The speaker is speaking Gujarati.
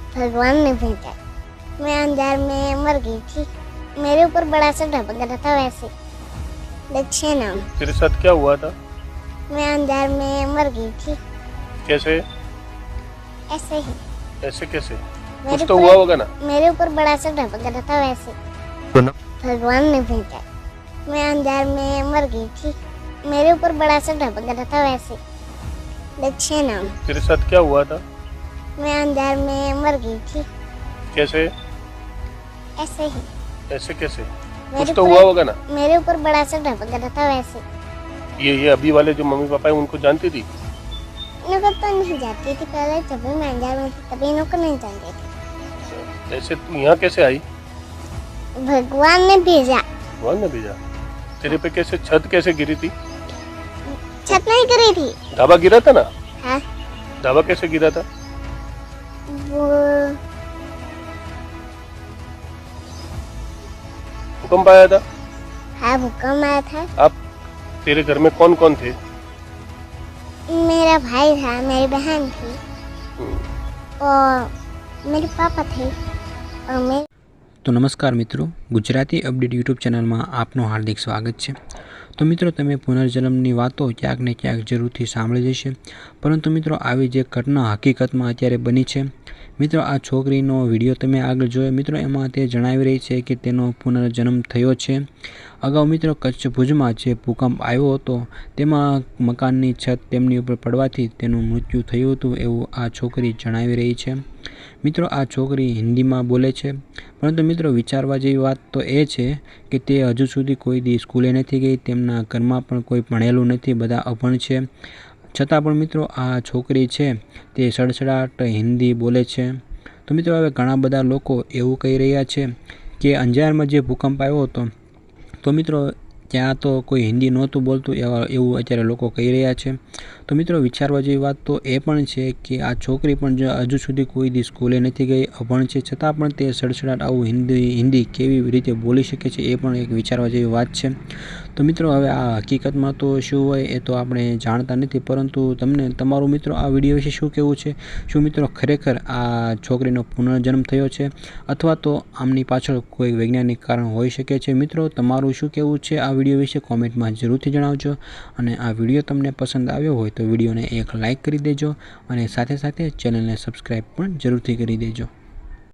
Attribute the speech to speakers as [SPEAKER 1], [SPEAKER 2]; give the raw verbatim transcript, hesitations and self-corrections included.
[SPEAKER 1] भगवान ने भेजा। मैं अंजार में मर गई थी, मेरे ऊपर बड़ा सा ढपक रहा था वैसे। दक्षिण नाम।
[SPEAKER 2] तेरे साथ क्या हुआ था?
[SPEAKER 1] मैं अंजार में मर गई थी।
[SPEAKER 2] कैसे?
[SPEAKER 1] ऐसे ही।
[SPEAKER 2] ऐसे कैसे?
[SPEAKER 1] मेरे
[SPEAKER 2] कुछ तो
[SPEAKER 1] ऊपर-
[SPEAKER 2] हुआ होगा ना?
[SPEAKER 1] मेरे ऊपर बड़ा सा ढपक रहा था वैसे।
[SPEAKER 2] तो न...
[SPEAKER 1] भगवान ने भेजा। मैं अंजार में मर गई थी, मेरे ऊपर बड़ा सा ढपक रहा था वैसे। दक्षिण नाम।
[SPEAKER 2] तेरे साथ क्या हुआ था?
[SPEAKER 1] मैं अंजार में मर गई थी।
[SPEAKER 2] कैसे?
[SPEAKER 1] ऐसे ही।
[SPEAKER 2] ऐसे कैसे?
[SPEAKER 1] मेरे
[SPEAKER 2] कुछ तो
[SPEAKER 1] ऊपर-
[SPEAKER 2] हुआ होगा ना?
[SPEAKER 1] मेरे ऊपर बड़ा सा ढपक रहा था वैसे।
[SPEAKER 2] ये ये अभी वाले जो मम्मी पापा है उनको जानती थी?
[SPEAKER 1] इनको तो नहीं जाती थी पहले, जब भी मैं अंजार में थी तभी इनको नहीं जानती थी।
[SPEAKER 2] ऐसे तू यहाँ कैसे आई?
[SPEAKER 1] भगवान ने भेजा।
[SPEAKER 2] भगवान ने भेजा। तेरे पे कैसे छत कैसे गिरी थी?
[SPEAKER 1] छत नहीं करी थी।
[SPEAKER 2] ढाबा गिरा था ना?
[SPEAKER 1] हाँ,
[SPEAKER 2] ढाबा कैसे गिरा था?
[SPEAKER 1] वो
[SPEAKER 2] भूकंप आया था?
[SPEAKER 1] हाँ भूकंप आया था।
[SPEAKER 2] आप तेरे घर में कौन कौन थे?
[SPEAKER 1] मेरा भाई था, मेरी बहन थी और मेरे पापा थे और मेरे
[SPEAKER 3] तो नमस्कार मित्रों, गुजराती अपडेट यूट्यूब चैनल में आपનું हार्दिक स्वागत है। तो मित्रों, તમે પુનર્જન્મની વાતો ક્યાંક ને ક્યાંક જરૂરથી સાંભળી જશે, પરંતુ મિત્રો આવી જે ઘટના હકીકતમાં અત્યારે બની છે, મિત્રો આ છોકરીનો વિડીયો તમે આગળ જોયો મિત્રો, એમાં તે જણાવી રહી છે કે તેનો પુનર્જન્મ થયો છે। અગાઉ મિત્રો કચ્છ ભુજમાં જે ભૂકંપ આવ્યો હતો તેમાં મકાનની છત તેમની ઉપર પડવાથી તેનું મૃત્યુ થયું હતું એવું આ છોકરી જણાવી રહી છે। મિત્રો આ છોકરી હિન્દીમાં બોલે છે, પરંતુ મિત્રો વિચારવા જેવી વાત તો એ છે કે તે હજુ સુધી કોઈ દી સ્કૂલે નથી ગઈ, તેમના ઘરમાં પણ કોઈ ભણેલું નથી, બધા અભણ છે, છતાં પણ મિત્રો આ છોકરી છે તે સડસડાટ હિન્દી બોલે છે। તો મિત્રો હવે ઘણા બધા લોકો એવું કહી રહ્યા છે કે અંજારમાં જે ભૂકંપ આવ્યો હતો તો મિત્રો ત્યાં તો કોઈ હિન્દી નહોતું બોલતું એવા એવું અત્યારે લોકો કહી રહ્યા છે। તો મિત્રો વિચારવા જેવી વાત તો એ પણ છે કે આ છોકરી પણ જો હજુ સુધી કોઈ દી સ્કૂલે નથી ગઈ, અભણ છે, છતાં પણ તે સડસડાટ આવું હિન્દી હિન્દી કેવી રીતે બોલી શકે છે એ પણ એક વિચારવા જેવી વાત છે। તો મિત્રો હવે આ હકીકતમાં તો શું હોય એ તો આપણે જાણતા નથી, પરંતુ તમને તમારું મિત્રો આ વિડીયો વિશે શું કહેવું છે? શું મિત્રો ખરેખર આ છોકરીનો પુનર્જન્મ થયો છે અથવા તો આમની પાછળ કોઈ વૈજ્ઞાનિક કારણ હોઈ શકે છે? મિત્રો તમારું શું કહેવું છે આ વિડીયો વિશે કોમેન્ટમાં જરૂરથી જણાવજો, અને આ વિડીયો તમને પસંદ આવ્યો હોય તો વિડીયોને એક લાઇક કરી દેજો અને સાથે સાથે ચેનલને સબસ્ક્રાઈબ પણ જરૂરથી કરી દેજો।